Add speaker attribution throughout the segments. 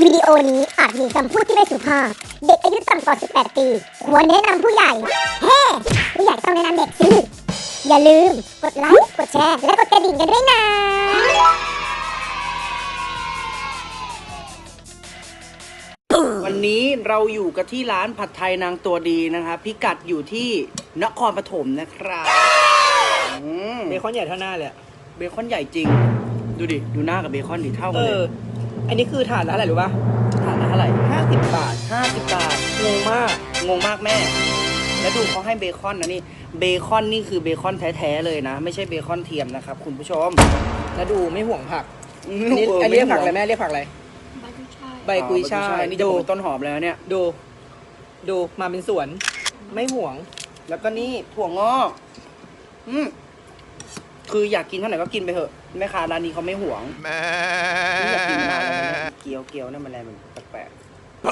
Speaker 1: วิดีโอนี้อาจมีคำพูดที่ไม่สุภาพเด็กอายุต่ำกว่า 18 ปีควรแนะนำผู้ใหญ่เฮ้ผู้ใหญ่ต้องแนะนำเด็กสิอย่าลืมกดไลค์กดแชร์และกดกระดิ่งกันด้วยนะ
Speaker 2: วันนี้เราอยู่กันที่ร้านผัดไทยนางตัวดีนะครับพิกัดอยู่ที่นครปฐมนะครับ
Speaker 3: เบคอนใหญ่เท่าหน้าเลย
Speaker 2: เบคอนใหญ่จริงดูดิดูหน้ากับเบคอนดิเท่ากันเลย
Speaker 3: อันนี้คือถาดละอะไรรู้ป่ะ
Speaker 2: ถาดละเท่าไหร่
Speaker 3: 50 บาท
Speaker 2: 50 บาท
Speaker 3: งงมาก
Speaker 2: แม่แล้วดูเขาให้เบคอนนะนี่เบคอนนี่คือเบคอนแท้ๆเลยนะไม่ใช่เบคอนเทียมนะครับคุณผู้ชม
Speaker 3: แล้วดูไม่ห่วงผักอันนี้เรียกผักอะไรแม่เรียกผักอะไรใบกุยช่าย
Speaker 2: นี่จะเป็นต้นหอมแล้วเนี่ย
Speaker 3: ดูมาเป็นสวนไม่ห่วง
Speaker 2: แล้วก็นี่ถั่วงอกคืออยากกินเท่าไหร่ก็กินไปเถอะแม่ค้าร้านนี้เขาไม่ห่วงนี่อยากกินมากเลยเกี๊ยวนั่นมันอะไรมันแปลกๆ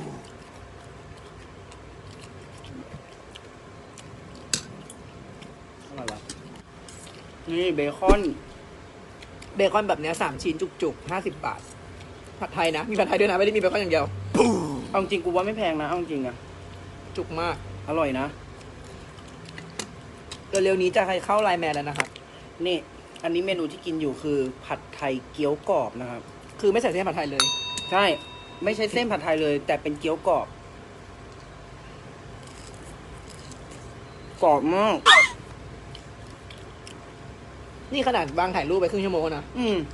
Speaker 2: อะไรวะนี่เบคอน
Speaker 3: แบบเนี้ย3 ชิ้นจุกๆ50 บาทผัดไทยนะมีผัดไทยด้วยนะไม่ได้มีเบคอนอย่างเดียว
Speaker 2: เอาจริงกูว่าไม่แพงนะเอาจริงอะ
Speaker 3: จุกมาก
Speaker 2: อร่อยนะ
Speaker 3: เร็วๆนี้จะเข้าไลน์แมนแล้วนะครับ
Speaker 2: นี่อันนี้เมนูที่กินอยู่คือผัดไทยเกี๊ยวกรอบนะครับ
Speaker 3: คือไม่ใส่เส้นผัดไทยเลย
Speaker 2: ใช่ไม่ใช่เส้นผัดไทยเลยแต่เป็นเกี๊ยวกรอบกรอบมาก
Speaker 3: นี่ขนาดวางถ่ายรูปไปครึ่งชั่วโมงนะ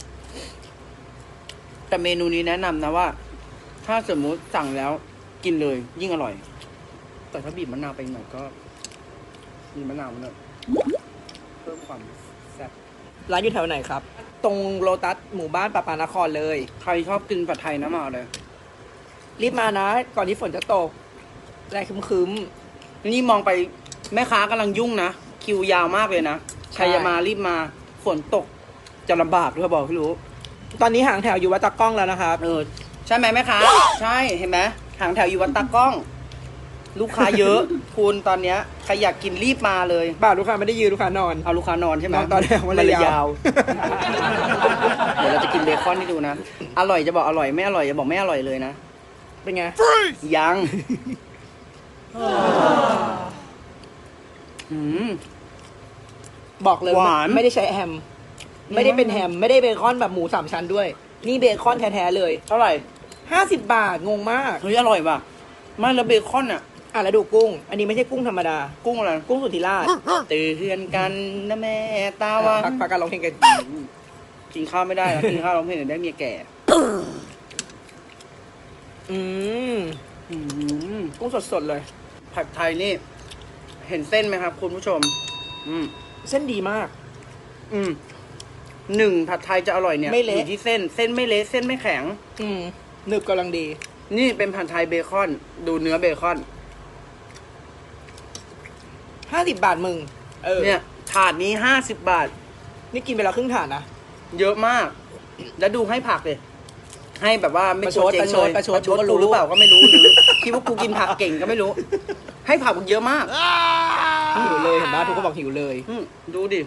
Speaker 2: แต่เมนูนี้แนะนำนะว่าถ้าสมมุติสั่งแล้วกินเลยยิ่งอร่อยแต่ถ้าบีบมะนาวไปหน่อยก็มีมะนาวมันเลยเพิ่มความแซ่บ
Speaker 3: ร้านอยู่แถวไหนครับตรงโลตัสหมู่บ้านปะปานครเลย
Speaker 2: ใครชอบกินผัดไทยนะมาเลย
Speaker 3: รีบมานะก่อนที่ฝนจะตกแรงคึม
Speaker 2: นี่มองไปแม่ค้ากำลังยุ่งนะคิวยาวมากเลยนะใครจะมารีบมาฝนตกจะลำบากด้วยบอกพี่รู้
Speaker 3: ตอนนี้หางแถวอยู่วัดตะก้องแล้วนะครับ
Speaker 2: ใช่ไหมแม่ค้าใช่เห็นไหมหางแถวอยู่วัดตะก้องลูกค้าเยอะคุณตอนเนี้ยใครอยากกินรีบมาเลย
Speaker 3: บ้าลูกค้าไม่ได้ยืนลูกค้านอน
Speaker 2: เอาลูกค้านอนใช่ไหม
Speaker 3: ตอนแรกมันเลยยาว
Speaker 2: เดี๋ยวเราจะกินเบคอนให้ดูนะอร่อยจะบอกอร่อยไม่อร่อยจะบอกไม่อร่อยเลยนะ
Speaker 3: เป็นไง
Speaker 2: ยัง
Speaker 3: บอกเลยว่าไม่ได้ใช้แฮมไม่ได้เป็นแฮมไม่ได้เบคอนแบบหมู3 ชั้นด้วยนี่เบคอนแท้ๆเลย
Speaker 2: เท่าไหร่
Speaker 3: 50 บาทงงมาก
Speaker 2: เฮ้ยอร่อยป่ะไม่แล้วเบคอน
Speaker 3: แล้วดูกุ้งอันนี้ไม่ใช่กุ้งธรรมดา
Speaker 2: กุ้งอะไร
Speaker 3: กุ้งสุธิราช
Speaker 2: ตื่นกันนะแม่ตาว่า
Speaker 3: พักการร้องเพลงกัน
Speaker 2: กินข้าวไม่ได้นะกินข้าวร้องเพลงได้เมียแก่
Speaker 3: กุ้งสดๆเลย
Speaker 2: ผัดไทยนี่เห็นเส้นไหมครับคุณผู้ชม
Speaker 3: เส้นดีมาก
Speaker 2: ผัดไทยจะอร่อยเนี่ยอยู่ที่เส้นไม่เละเส้นไม่แข็ง
Speaker 3: หนึบกำลังดี
Speaker 2: นี่เป็นผัดไทยเบคอนดูเนื้อเบคอน
Speaker 3: 50 บาทมึง
Speaker 2: เนี่ยถาดนี้50 บาท
Speaker 3: นี่กินไปแล้วครึ่งถาดนะ
Speaker 2: เยอะมากแล้วดูให้ผักเลยให้แบบว่าไม่
Speaker 3: โชดเจ๊งเลยประชด
Speaker 2: กูหรือเปล่าก็ไม่รู้หรือคิดว่ากูกินผักเก่งก็ไม่รู้ให้ผักเยอะมาก
Speaker 3: หิวเลยเห็นไหมทุกคนบอกหิวเลย
Speaker 2: ดูดิ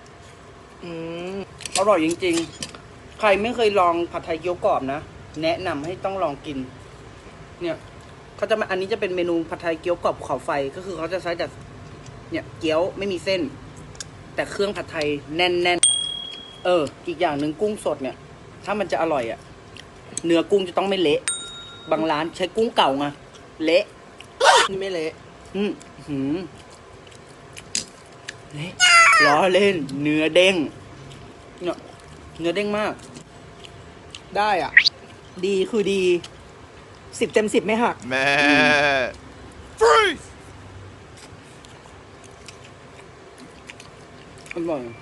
Speaker 2: อร่อยจริงๆใครไม่เคยลองผัดไทยเกี๊ยวกรอบนะแนะนำให้ต้องลองกินเนี่ยเขาจะอันนี้จะเป็นเมนูผัดไทยเกี๊ยวกรอบภูเขาไฟก็คือเขาจะใช้แต่เนี่ยเกี๊ยวไม่มีเส้นแต่เครื่องผัดไทยแน่นอีกอย่างหนึ่งกุ้งสดเนี่ยถ้ามันจะอร่อยเนื้อกุ้งจะต้องไม่เละบางร้านใช้กุ้งเก่าไงเละ
Speaker 3: นี่ไม่เละ
Speaker 2: เละล้อเล่นเนื้อเด้งเนี่ยเนื้อเด้งมาก
Speaker 3: ได้ดีคือดี10 เต็ม 10ไม่หัก
Speaker 4: แม่
Speaker 2: อร่อย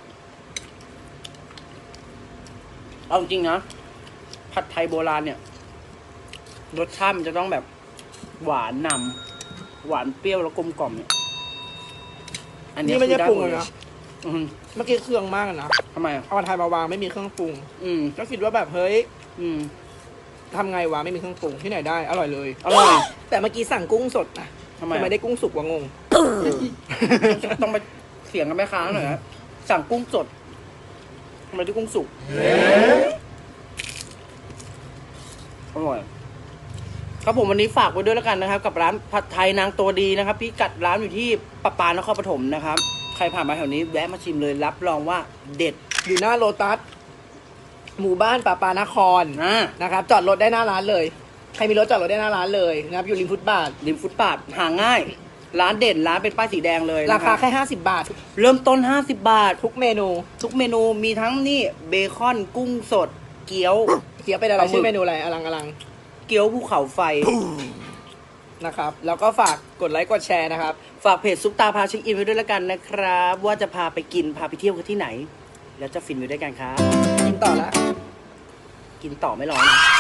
Speaker 2: เอาจริงนะผัดไทยโบราณเนี่ยรสชาติมันจะต้องแบบหวานนำหวานเปรี้ยวแล้วกลมกล่อมเนี่ย
Speaker 3: อันนี้ไม่ใช่ปรุงเลยนะเมื่อกี้เครื่องมากนะ
Speaker 2: ทำไม
Speaker 3: เอาผัดไทยมาวางไม่มีเครื่องปรุงก็คิดว่าแบบเฮ้ยทำไงวะไม่มีเครื่องปรุงที่ไหนได้อร่อยเลย
Speaker 2: อร่อย
Speaker 3: แต่เมื่อกี้สั่งกุ้งสดนะทำไมได้กุ้งสุกวะงง
Speaker 2: ต้องไปเสียงกับแม่ค้าหน่อยนะสั่งกุ้งสดทำไมได้กุ้งสุกอร่อยครับผมวันนี้ฝากไว้ด้วยแล้วกันนะครับ กับร้านผัดไทยนางตัวดีนะครับพี่กัดร้านอยู่ที่ปะปานครปฐมนะครับใครผ่านมาแถวนี้แวะมาชิมเลยรับรองว่าเด็ด
Speaker 3: อยู่หน้าโลตัสหมู่บ้านป่าปานคร
Speaker 2: อ่า
Speaker 3: นะครับ จอดรถได้หน้าร้านเลยใครมีรถจอดรถได้หน้าร้านเลยนะครับอยู่ริมฟุตบาท
Speaker 2: ริมฟุตบาทหาง่าย ร้านเด่นร้านเป็นป้ายสีแดงเลย
Speaker 3: รา
Speaker 2: นะ
Speaker 3: คา
Speaker 2: บ
Speaker 3: แค่50 บาท
Speaker 2: เริ่มต้น50 บาท
Speaker 3: ทุกเมนู
Speaker 2: ทุกเมนูมีทั้งนี่เบคอนกุ้งสด เกี๊ยว
Speaker 3: เกี๊ยวเป็นอะไร
Speaker 2: ปลาหมึก
Speaker 3: ชื่อเมนูอะไรอลัง
Speaker 2: เกี๊ยวภูเขาไฟ
Speaker 3: นะครับแล้วก็ฝากกดไลค์กดแชร์นะครับ
Speaker 2: ฝากเพจซุปตาพาเช็คอินไว้ด้วยแล้วกันนะครับ ว่าจะพาไปกินพาไปเที่ยวกันที่ไหน แล้วจะฟินไปด้วยกันครับ
Speaker 3: กินต่อละ
Speaker 2: กินต่อไม่รอนะ